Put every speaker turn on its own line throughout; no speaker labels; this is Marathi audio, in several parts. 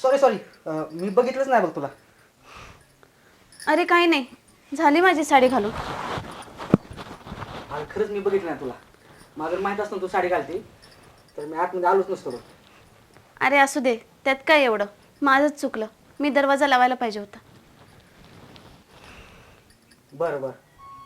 सॉरी सॉरी, मी बघितलंच नाही बघ तुला.
अरे काही नाही, झाली माझी साडी घालून.
अरे खरंच मी बघितलं नाही तुला. मला जर माहीत असतं तू साडी घालते तर मी आतमध्ये आलोच नसतो बघ.
अरे असू दे, त्यात काय एवढं, माझंच चुकलं. मी दरवाजा लावायला पाहिजे होता.
बरं बरं.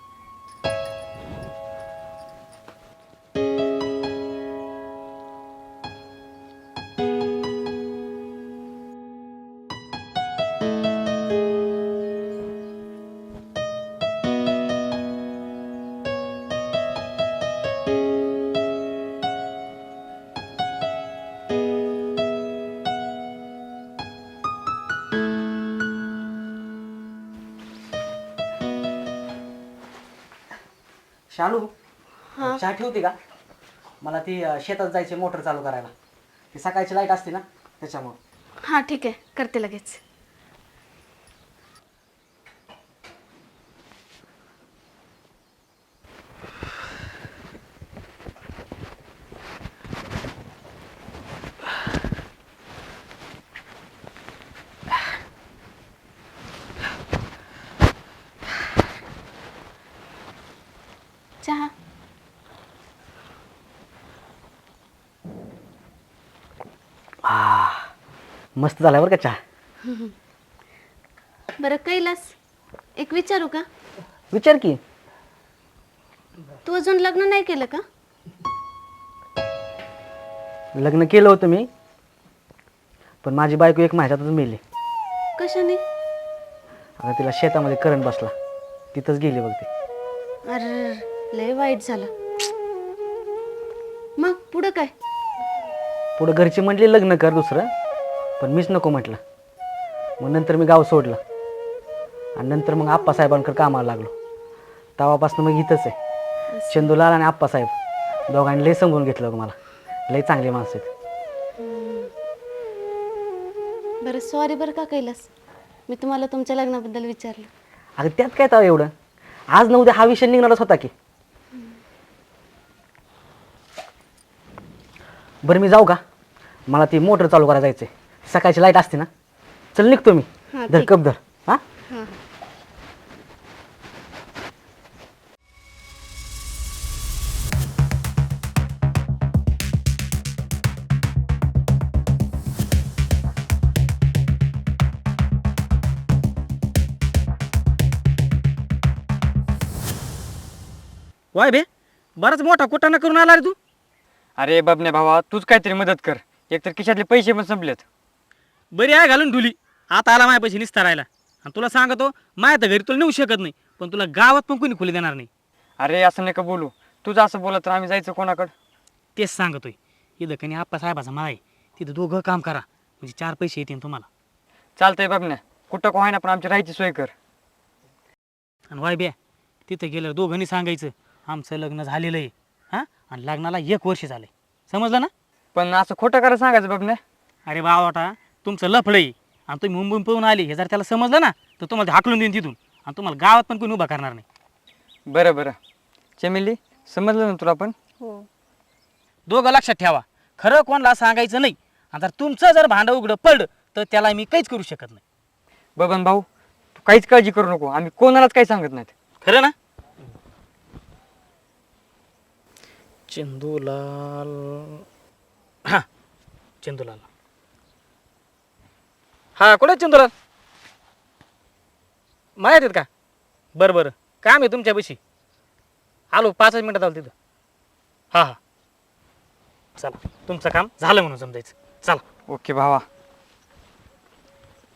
शालू, चहा ठेवते का? मला ती शेतात जायची मोटर चालू करायला. ती सकाळची लाईट असते ना त्याच्यामुळं.
हां ठीक आहे, करते लगेच. चहा.
मस्त झाला बरं का चहा.
बरं कैलास, एक विचारू का?
विचार की.
तू अजून लग्न नाही केलं का?
लग्न केलं होतं मी, पण माझी बायको एक महिन्यातच मेली.
कशाने?
अगं तिला शेतामध्ये करंट बसला, तिथंच गेली बघ ती.
अरे लय वाईट झालं. मग पुढं काय?
पुढं घरची म्हटली लग्न कर दुसरं, पण मीच नको म्हटलं. मग नंतर मी गाव सोडलं आणि नंतर मग आप्पासाहेबांकडे कामाला लागलो. तेव्हापासून मग इथंच आहे. चंदूलाल आणि आप्पासाहेब दोघांनी लय समजून घेतलं मला. लय चांगली माणसं आहेत.
बरं सॉरी बरं का कैलास, मी तुम्हाला तुमच्या लग्नाबद्दल विचारलं.
अगं त्यात काय तर एवढं, आज न उद्या हा विषय निघणारच होता की. बरं मी जाऊ का? मला ती मोटर चालू करायला जायचं आहे. सकाळची लाईट असते ना. चल निघतो मी.
हां,
धर
ठीक.
कप धर. हां
हां.
वाय बे, बराच मोठा कुटाणा करून आला रे तू.
अरे बबने भावा, तूच काहीतरी मदत कर. एकतर खिशातले पैसे पण संपलेत.
बरी आहे घालून ढुली. आता आला माझ्या पैसे निस्तारायला. आणि तुला सांगतो, माझ्या तर घरी तुला नेऊ शकत नाही, पण तुला गावात पण कोणी खुली देणार नाही.
अरे असं नका बोलू. तुझं असं बोलत तर आम्ही जायचं कोणाकडं?
तेच सांगतोय. इथं कणी आप्पा साहेबाचा माळ आहे, तिथं दोघं काम करा, म्हणजे 4 पैसे येतील तुम्हाला.
चालतंय बबने, कुठं का होईना पण आमची राहायची सोय कर.
आणि वाय बे, तिथं गेल्यावर दोघांनी सांगायचं आमचं लग्न झालेलं आहे, हां, आणि लग्नाला 1 वर्ष झालंय. समजलं ना?
पण असं खोटं करा सांगायचं बबने.
अरे बावटा, तुमचं लफडं आहे आणि तुम्ही मुंबईहून पळून आले हे जर त्याला समजलं ना, तर तुम्हाला हाकलून देईन तिथून, आणि तुम्हाला गावात पण कोणी उभा करणार नाही.
बरं बरं चमेली, समजलं ना तुला पण?
हो.
दोघं लक्षात ठेवा, खरं कोणाला सांगायचं नाही. आणि जर तुमचं जर भांडं उघडं पडलं तर त्याला मी काहीच करू शकत नाही.
बबन भाऊ, तू काहीच काळजी करू नको. आम्ही कोणालाच काही सांगत नाहीत.
खरं ना? चंदूलाल. हां, चंदूलाल. हां, कुठे आहेत चंदूलाल? माहीत आहेत का? बरं बरं, काम आहे तुमच्यापाशी. आलो 5 मिनिटात आलो तिथं. हां हां, चला, तुमचं काम झालं म्हणून समजायचं. चला.
ओके भावा.